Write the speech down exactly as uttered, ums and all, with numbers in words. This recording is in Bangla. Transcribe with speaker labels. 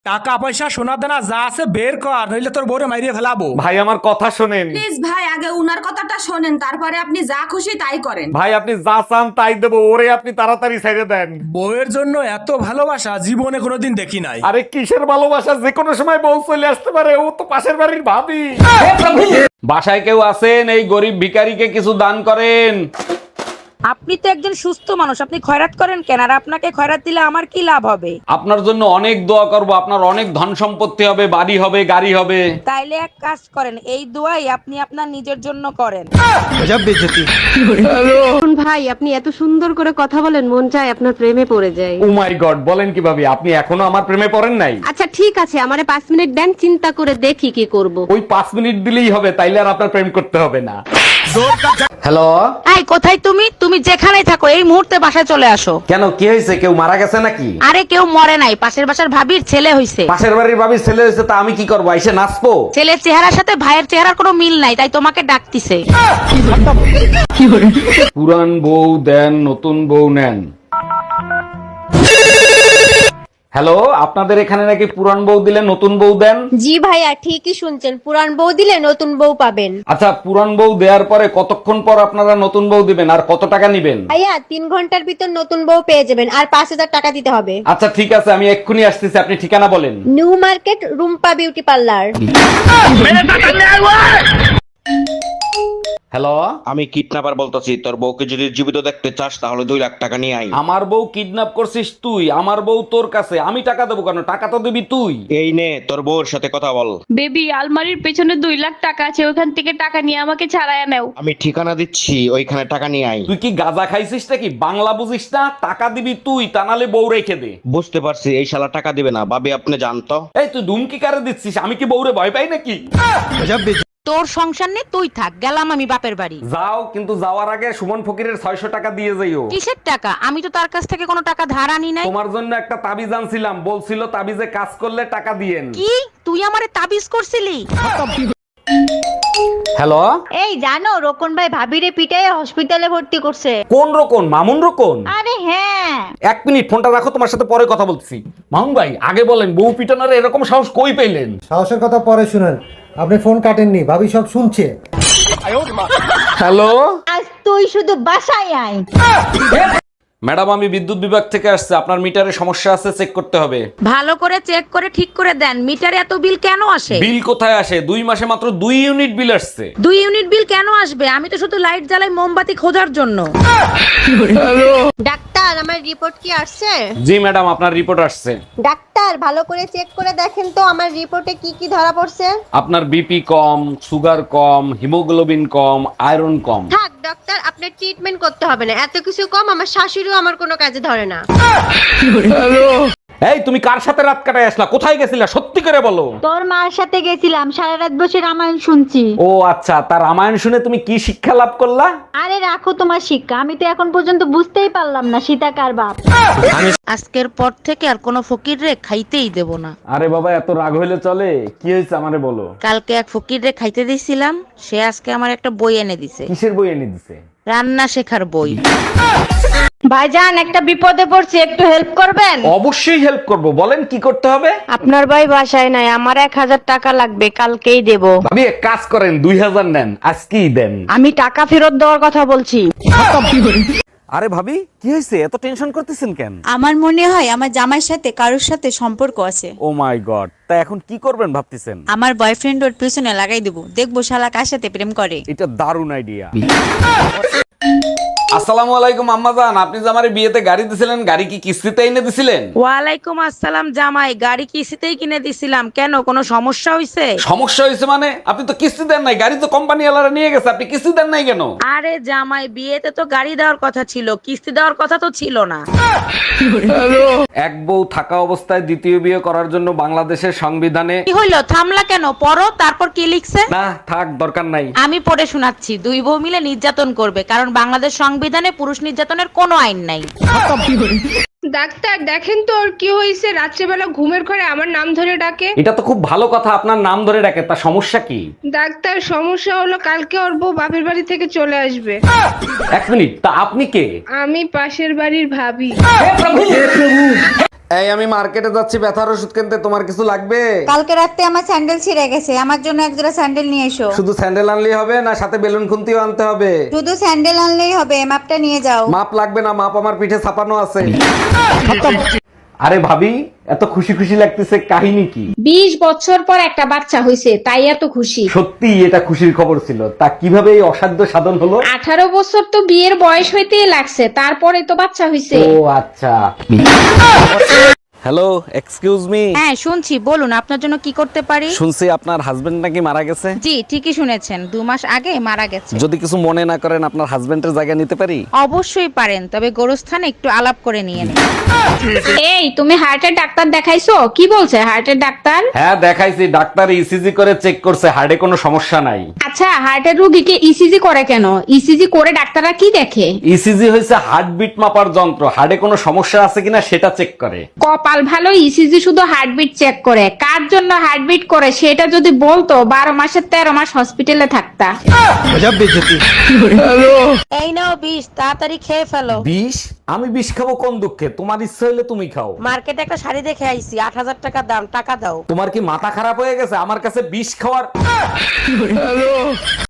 Speaker 1: টাকা পয়সা সোনা দানা যা আছে বের কর, নইলে তোর বউরে মাইরিয়ে ফেলাবো।
Speaker 2: ভাই আমার কথা শোনেন।
Speaker 3: প্লিজ ভাই, আগে উনার কথাটা শোনেন, তারপরে আপনি যা খুশি তাই করেন।
Speaker 2: ভাই আপনি যা চান তাই দেবো, ওরে আপনি তাড়াতাড়ি ছেড়ে দেন।
Speaker 1: বউয়ের জন্য এত ভালোবাসা জীবনে কোনোদিন দেখি নাই।
Speaker 2: আরে কিসের ভালোবাসা, যে কোনো সময় বউ চলে আসতে পারে, ও তো পাশের বাড়ির ভাবি। বাসায় কেউ আছেন? এই গরিব ভিখারিকে কিছু দান করেন।
Speaker 4: আপনি তো একজন সুস্থ মানুষ, আপনি খয়রাত করেন কেন? আর আপনাকে খয়রাত দিলে আমার কি লাভ হবে?
Speaker 2: আপনার জন্য অনেক দোয়া করব, আপনার অনেক ধন সম্পত্তি হবে, বাড়ি হবে, গাড়ি হবে।
Speaker 4: তাইলে এক কাজ করেন, এই দোয়াই আপনি আপনার নিজের জন্য করেন।
Speaker 5: ভাই আপনি এত সুন্দর করে কথা বলেন, মন চায় আপনার প্রেমে পড়ে যায়।
Speaker 2: ও মাই গড, বলেন কিভাবে? আপনি এখনো আমার প্রেমে পড়েন নাই?
Speaker 5: আচ্ছা ঠিক আছে, আমারে পাঁচ মিনিট দেন, চিন্তা করে দেখি কি করব।
Speaker 2: ওই পাঁচ মিনিট দিলেই হবে, তাইলে আর আপনার প্রেম করতে হবে না। হ্যালো,
Speaker 4: এই কোথায় তুমি? তুমি যেখানেই থাকো এই মুহূর্তে বাসায় চলে আসো।
Speaker 2: কেন কি হয়েছে? কেউ মারা গেছে নাকি?
Speaker 4: আরে কেউ মরে নাই, পাশের বাসার ভাবির ছেলে হইছে।
Speaker 2: পাশের বাড়ির ভাবির ছেলে হয়েছে, তা আমি কি করবো? এসে নাচবো?
Speaker 4: ছেলের চেহারার সাথে ভাইয়ের চেহারার কোনো মিল নাই, তাই তোমাকে ডাকতিছে।
Speaker 2: পুরান বউ দেন, নতুন বউ নেন। হ্যালো, আপনাদের এখানে নাকি পুরান বউ দিলে নতুন বউ দেন?
Speaker 6: জি ভাইয়া, ঠিকই শুনছেন, পুরান বউ দিলে নতুন বউ পাবেন।
Speaker 2: আচ্ছা, পুরান বউ দেওয়ার পরে কতক্ষণ পর আপনারা নতুন বউ দিবেন, আর কত টাকা নিবেন?
Speaker 6: ভাইয়া তিন ঘন্টার ভিতর নতুন বউ পেয়ে যাবেন, আর পাঁচ হাজার টাকা দিতে হবে।
Speaker 2: আচ্ছা ঠিক আছে, আমি এক্ষুনি আসতেছি, আপনি ঠিকানা বলেন।
Speaker 6: New market, Rumpa beauty parlour.
Speaker 2: Hello,
Speaker 7: আমি কিডন্যাপার বলতেছি, তোর বউকে যদি জীবিত দেখতে চাস তাহলে দুই লাখ টাকা নিয়ে আই।
Speaker 2: আমার বউ কিডন্যাপ করছিস তুই? আমার বউ তোর কাছে, আমি টাকা দেবো কেন? টাকা তো দিবি তুই।
Speaker 7: এই নে তোর বউর সাথে কথা বল।
Speaker 8: বেবি, আলমারির পেছনে দুই লাখ টাকা আছে, ওখান থেকে টাকা নিয়ে আমাকে ছাড়াইয়া নেও।
Speaker 7: আমি ঠিকানা দিচ্ছি, ওইখানে টাকা নিয়ে আই।
Speaker 2: তুই কি গাঁজা খাইছিস নাকি? বাংলা বুঝিস না? টাকা দিবি তুই, তা নাহলে বউ রেখে দে।
Speaker 7: বুঝতে পারছি, এই শালা টাকা দিবে না। ভাবি আপনি জানতো।
Speaker 2: এই তুই ধুমকি কারে দিচ্ছিস? আমি কি বউরে ভয় পাই নাকি?
Speaker 4: তোর সংসার নেই, তুই থাক, গেলাম আমি বাপের বাড়ি।
Speaker 2: যাও, কিন্তু যাওয়ার আগে সুমন ফকিরের ছয়শো টাকা দিয়ে যাইও।
Speaker 4: কিসের টাকা? আমি তো তার কাছ থেকে কোনো টাকা ধার আনি নাই।
Speaker 2: তোমার জন্য একটা তাবিজ আনছিলাম, বলছিল তাবিজে কাজ করলে টাকা দিয়েন।
Speaker 4: কি তুই আমারে তাবিজ করছিলি?
Speaker 2: হ্যালো,
Speaker 6: এই জানো, রোকন ভাই ভাবিরে পিটায় হসপিটালে ভর্তি করছে।
Speaker 2: কোন রকম? মামুন রকম?
Speaker 6: আরে হ্যাঁ।
Speaker 2: এক মিনিট, ফোনটা রাখো, তোমার সাথে পরে কথা বলছি। মামুন ভাই আগে বলেন, বউ পিটানোর এরকম সাহস কই পেলেন?
Speaker 9: সাহসের কথা পরে শুনেন, আপনি ফোন কাটেননি, ভাবি সব শুনছে।
Speaker 2: হ্যালো
Speaker 6: আজ তুই শুধু বাসায় আয়।
Speaker 2: ম্যাডাম, আমি বিদ্যুৎ বিভাগ থেকে আসছে, আপনার মিটারে সমস্যা আছে, চেক করতে হবে।
Speaker 4: ভালো করে চেক করে ঠিক করে দেন, মিটারে এত বিল কেন আসে?
Speaker 2: বিল কোথায় আসে? দুই মাসে মাত্র দুই ইউনিট বিল আসছে।
Speaker 4: দুই ইউনিট বিল কেন আসবে? আমি তো শুধু লাইট জ্বালাই মোমবাতি খোঁজার জন্য।
Speaker 6: ডাক্তার, আমার রিপোর্ট কি আসছে?
Speaker 2: জি ম্যাডাম, আপনার রিপোর্ট আসছে।
Speaker 6: ডাক্তার ভালো করে চেক করে দেখেন তো আমার রিপোর্টে কি কি ধরা পড়ছে।
Speaker 2: আপনার বিপি কম, সুগার কম, হিমোগ্লোবিন কম, আয়রন কম।
Speaker 6: থাক ডাক্তার, আপনার ট্রিটমেন্ট করতে হবে না, এত কিছু কম আমার শাশুড়িও আমার কোনো কাজে ধরে না।
Speaker 2: এই তুমি কার সাথে রাত কাটায় আসলা? কোথায় গেছিলা? সত্যি করে বলো।
Speaker 6: তোর মার সাথে গেছিলাম, সারা রাত বসে রামায়ণ শুনছি।
Speaker 2: ও আচ্ছা, তার রামায়ণ শুনে তুমি কি শিক্ষা লাভ করলা?
Speaker 6: আরে রাখো তোমার শিক্ষা, আমি তো এখন পর্যন্ত বুঝতেই পারলাম না সীতা কার বাপ।
Speaker 4: আজকের পর থেকে আর কোনো ফকির রে খাইতেই দেব না।
Speaker 2: আরে বাবা, এত রাগ হইলে চলে? কি হয়েছে আমারে বলো।
Speaker 4: কালকে এক ফকির রে খাইতে দিছিলাম, সে আজকে আমার একটা বই এনে দিছে।
Speaker 2: কিসের বই এনে দিছে?
Speaker 4: রান্না শেখার বই।
Speaker 6: ভাইজান একটা বিপদে পড়ছি, একটু হেল্প করবেন?
Speaker 2: অবশ্যই হেল্প করব, বলেন কি করতে হবে।
Speaker 5: আপনার ভাই বাসায় নাই, আমার এক হাজার টাকা লাগবে, কালকেই দেব।
Speaker 2: ভাবি এক কাজ করেন, দুই হাজার নেন, আজকেই দেন।
Speaker 5: আমি টাকা ফেরত দেওয়ার কথা বলছি।
Speaker 2: আরে ভাবি কি হয়েছে? এত টেনশন করতেছেন কেন?
Speaker 8: আমার মনে হয় আমার জামাইয়ের সাথে কারোর সাথে সম্পর্ক আছে।
Speaker 2: ও মাই গড, তা এখন কি করবেন ভাবতেছেন?
Speaker 8: আমার বয়ফ্রেন্ড ওর পিছনে লাগাই দেবো, দেখবো শালা কার সাথে প্রেম করে।
Speaker 2: এটা দারুণ আইডিয়া। আসসালামু আলাইকুম আম্মাজান, আপনি যে আমারে বিয়েতে গাড়ি দিছিলেন, গাড়ি কি কিস্তিতে এনে দিছিলেন?
Speaker 4: ওয়ালাইকুম আসসালাম জামাই, গাড়ি কিস্তিতেই কিনে দিছিলাম। কেন, কোনো সমস্যা হইছে?
Speaker 2: সমস্যা হয়েছে মানে? আপনি তো কিস্তি দেন নাই, গাড়ি তো কোম্পানি ওয়ালারা নিয়ে গেছে, আপনি কিস্তি দেন নাই কেন?
Speaker 4: আরে জামাই, বিয়েতে তো গাড়ি দেওয়ার কথা ছিল, কিস্তি দেওয়ার কথা তো ছিল না।
Speaker 2: এক বউ থাকা অবস্থায় দ্বিতীয় বিয়ে করার জন্য বাংলাদেশের সংবিধানে।
Speaker 4: কি হইলো, থামলা কেন? পড়ো, তারপর কি লিখছে?
Speaker 2: না থাক, দরকার নাই।
Speaker 4: আমি পড়ে শোনাচ্ছি। দুই বউ মিলে নির্যাতন করবে, কারণ বাংলাদেশ সংবিধানে পুরুষ নির্যাতনের কোনো আইন নাই।
Speaker 8: ডাক্তার দেখেন তো ওর কি হয়েছে, রাত্রেবেলা ঘুমের ঘরে আমার নাম ধরে ডাকে।
Speaker 2: এটা তো খুব ভালো কথা, আপনার নাম ধরে ডাকে, তা সমস্যা কি?
Speaker 8: ডাক্তার সমস্যা হলো কালকে ওর বউ বাপের বাড়ি থেকে চলে আসবে।
Speaker 2: এক মিনিট, তা আপনি কে?
Speaker 8: আমি পাশের বাড়ির ভাবি।
Speaker 2: এই আমি মার্কেটে যাচ্ছি ব্যথার ওষুধ কিনতে, তোমার কিছু লাগবে?
Speaker 10: কালকে রাতে আমার স্যান্ডেল ছিঁড়ে গেছে, আমার জন্য এক জোড়া স্যান্ডেল নিয়ে এসো।
Speaker 2: শুধু স্যান্ডেল আনলেই হবে না সাথে বেলুন খুন্তিও আনতে হবে?
Speaker 10: শুধু স্যান্ডেল আনলেই হবে, মাপটা নিয়ে যাও।
Speaker 2: মাপ লাগবে না, মাপ আমার পিঠে ছাপানো আছে। আরে ভাবি, এত খুশি খুশি লাগতেছে, কাহিনী কি?
Speaker 8: বিশ বছর পর একটা বাচ্চা হয়েছে, তাই এত খুশি।
Speaker 2: সত্যি এটা খুশির খবর ছিল, তা কিভাবে এই অসাধ্য সাধন হলো?
Speaker 8: আঠারো বছর তো বিয়ের বয়স হইতেই লাগছে, তারপরে তো বাচ্চা হয়েছে।
Speaker 2: ও আচ্ছা। Hello, excuse me.
Speaker 4: হ্যাঁ শুনছি, বলুন আপনার জন্য কি করতে পারি।
Speaker 2: শুনছি আপনার হাজবেন্ড নাকি মারা গেছে।
Speaker 4: জি ঠিকই শুনেছেন, দু মাস আগে মারা গেছে।
Speaker 2: যদি কিছু মনে না করেন আপনার হাজবেন্ডের জায়গা নিতে পারি?
Speaker 4: অবশ্যই পারেন, তবে গোরস্থানে একটু আলাপ করে নিয়ে নিন।
Speaker 8: এই তুমি হার্টের ডাক্তার দেখাইছো? কি বলছে হার্টের ডাক্তার?
Speaker 2: হ্যাঁ দেখাইছি, ডাক্তার ইসিজি করে চেক করছে, হার্টে কোনো সমস্যা নাই।
Speaker 8: আচ্ছা, হার্টের রোগীকে ইসিজি করে কেন? ইসিজি করে ডাক্তাররা কি দেখে?
Speaker 2: ইসিজি হয়েছে হার্টবিট মাপার যন্ত্র, হার্টে কোনো সমস্যা আছে কিনা সেটা চেক করে।
Speaker 8: কপাল ভালো, ইসিজি শুধু হার্টবিট চেক করে। কার জন্য হার্টবিট করে সেটা যদি বলতো, বারো মাসের তেরো মাস হসপিটালে থাকতা।
Speaker 4: এই নাও বিষ, তাড়াতাড়ি খেয়ে ফেলো।
Speaker 2: বিষ? আমি বিষ খাবো কোন দুঃখে? তোমার ইচ্ছা হইলে তুমি খাও।
Speaker 4: মার্কেটে একটা শাড়ি দেখে আইছি, আট হাজার টাকা দাম, টাকা দাও।
Speaker 2: তোমার কি মাথা খারাপ হয়ে গেছে আমার কাছে বিষ খাওয়ার?